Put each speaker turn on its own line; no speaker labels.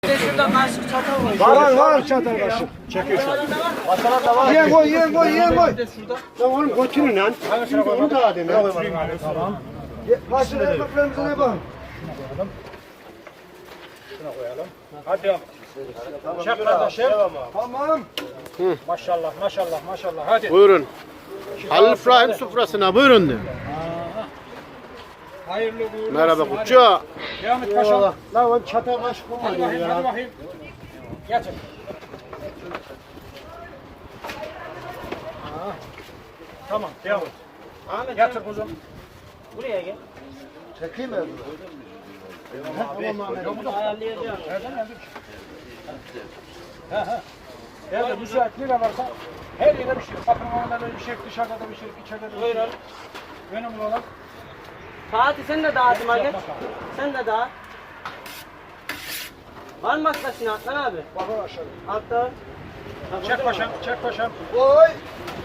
Şurada kaşık çatal
Var
var.
var çatal kaşık.
Çekiyorsun.
Masalar da var.
Yiyen koy yiyen koy yiyen koy.
Lan oğlum götürün lan. Şimdi onu da alayım.
Tamam. Kaşık ekmeklerimize ne bak?
Hadi yavrum. Çek kardeşim.
Tamam.
Maşallah maşallah maşallah hadi.
Buyurun. Halil İbrahim sofrasına buyurun diyor.
Hayırlı uğurlu
Merhaba
olsun, hadi.
Kutçu.
Devam et paşam.
Lan oğlum çatal kaşık
Hadi
olmadı
bakayım hadi
ya.
bakayım. Getir. Tamam devam et. Getir kuzum.
Buraya gel.
Çekeyim mi?
Ayarlayacağım.
Evde müsait ne varsa her yere bir şey. Bakın orada da bir şey, dışarıda da bir şey, içeride de bir şey.
Buyurun.
Önemli olan.
Fatih sen de dağıtım hadi. Sen de dağıt. Var mı başkasına Atlan abi?
Bakın aşağı.
Altta.
Çek paşam, çek paşam.
Koy.